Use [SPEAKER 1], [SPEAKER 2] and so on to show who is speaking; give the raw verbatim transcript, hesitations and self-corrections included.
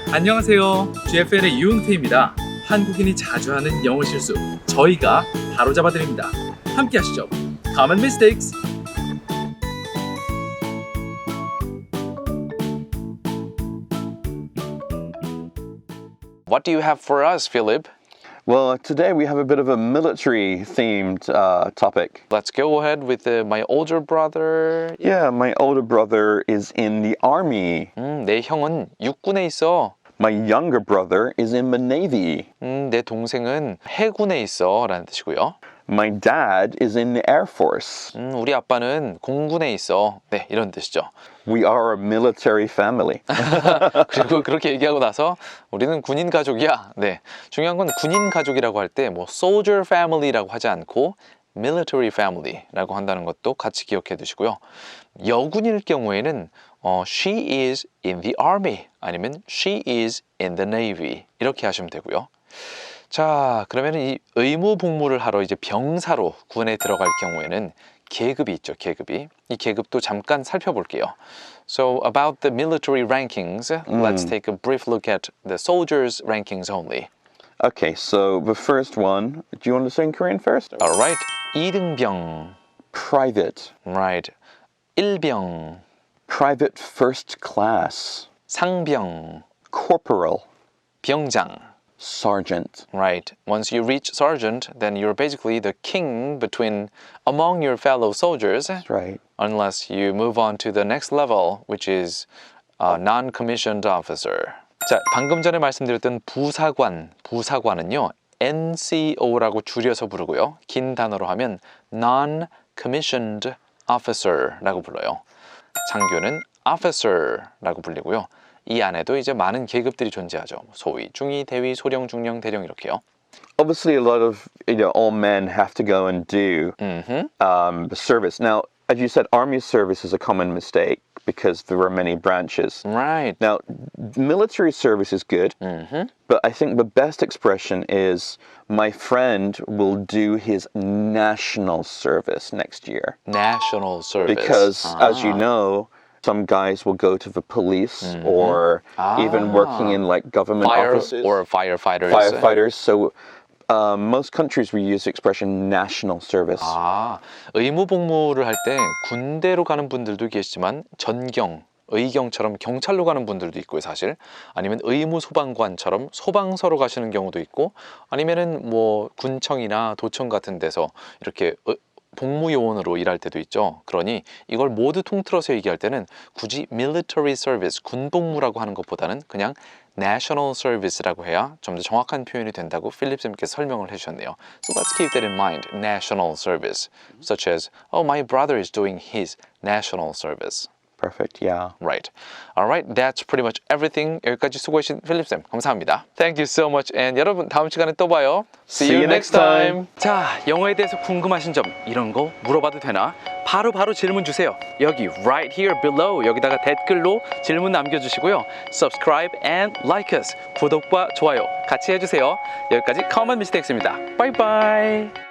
[SPEAKER 1] 안녕하세요. 지에프엔의 유흥태입니다. 한국인이 자주 하는 영어 실수, 저희가 바로잡아 드립니다. 함께 하시죠. Common Mistakes.
[SPEAKER 2] What do you have for us, Philip?
[SPEAKER 3] Well, today we have a bit of a military-themed uh, topic.
[SPEAKER 2] Let's go ahead with uh, my older brother.
[SPEAKER 3] Yeah, my older brother is in the army.
[SPEAKER 2] 음, 내 형은 육군에 있어.
[SPEAKER 3] My younger brother is in the navy.
[SPEAKER 2] 음, 내 동생은 해군에 있어 라는 뜻이고요.
[SPEAKER 3] My dad is in the air force.
[SPEAKER 2] 음, 우리 아빠는 공군에 있어. 네, 이런 뜻이죠.
[SPEAKER 3] We are a military family.
[SPEAKER 2] 그리고 그렇게 얘기하고 나서 우리는 군인 가족이야. 네, 중요한 건 군인 가족이라고 할 때 뭐 soldier family라고 하지 않고 military family라고 한다는 것도 같이 기억해 두시고요. 여군일 경우에는 어, she is in the army 아니면 she is in the navy 이렇게 하시면 되고요. 자, 그러면 이 의무 복무를 하러 이제 병사로 군에 들어갈 경우에는 계급이 있죠, 계급이. 이 계급도 잠깐 살펴볼게요. So about the military rankings, let's take a brief look at the soldiers' rankings only.
[SPEAKER 3] Okay, so the first one, do you want to say in Korean first?
[SPEAKER 2] Alright, 이등병,
[SPEAKER 3] Private.
[SPEAKER 2] right, 일병,
[SPEAKER 3] Private first class.
[SPEAKER 2] 상병,
[SPEAKER 3] Corporal.
[SPEAKER 2] 병장.
[SPEAKER 3] Sergeant.
[SPEAKER 2] Right. Once you reach sergeant, then you're basically the king between among your fellow soldiers.
[SPEAKER 3] That's right.
[SPEAKER 2] Unless you move on to the next level, which is a non-commissioned officer. 자, 방금 전에 말씀드렸던 부사관, 부사관은요, 엔씨오라고 줄여서 부르고요. 긴 단어로 하면 non-commissioned officer라고 불러요. 장교는 officer라고 불리고요. 이 안에도 이제 많은 계급들이 존재하죠. 소위, 중위, 대위, 소령, 중령, 대령 이렇게요.
[SPEAKER 3] Obviously, a lot of you know all men have to go and do
[SPEAKER 2] Mm-hmm.
[SPEAKER 3] um, the service. Now, as you said, army service is a common mistake because there are many branches.
[SPEAKER 2] Right.
[SPEAKER 3] Now, military service is good,
[SPEAKER 2] Mm-hmm.
[SPEAKER 3] but I think the best expression is my friend will do his national service next year.
[SPEAKER 2] National service.
[SPEAKER 3] Because, as you
[SPEAKER 2] 아.
[SPEAKER 3] know, some guys will go to the police or even working in like government
[SPEAKER 2] Fire
[SPEAKER 3] offices.
[SPEAKER 2] or firefighters.
[SPEAKER 3] Firefighters. So uh, most countries we use the expression national service.
[SPEAKER 2] 아, 의무 복무를 할 때 군대로 가는 분들도 계시지만 전경, 의경처럼 경찰로 가는 분들도 있고요, 사실. 아니면 의무 소방관처럼 소방서로 가시는 경우도 있고, 아니면은 뭐 군청이나 도청 같은 데서 이렇게 어, 복무 요원으로 일할 때도 있죠. 그러니 이걸 모두 통틀어서 얘기할 때는 굳이 military service, 군복무라고 하는 것보다는 그냥 national service라고 해야 좀 더 정확한 표현이 된다고 필립 쌤께서 설명을 해주셨네요. So let's keep that in mind. National service, such as, oh, my brother is doing his national service.
[SPEAKER 3] Perfect. Yeah.
[SPEAKER 2] Right. Alright, that's pretty much everything. 여기까지 수고해주신 필립 쌤 감사합니다. Thank you so much. And 여러분 다음 시간에 또 봐요. See,
[SPEAKER 3] you next time.
[SPEAKER 1] 자, 영어에 대해서 궁금하신 점 이런 거 물어봐도 되나? 바로 바로 질문 주세요. 여기 right here below 여기다가 댓글로 질문 남겨주시고요. Subscribe and like us. 구독과 좋아요 같이 해주세요. 여기까지 Common Mistakes입니다. Bye bye.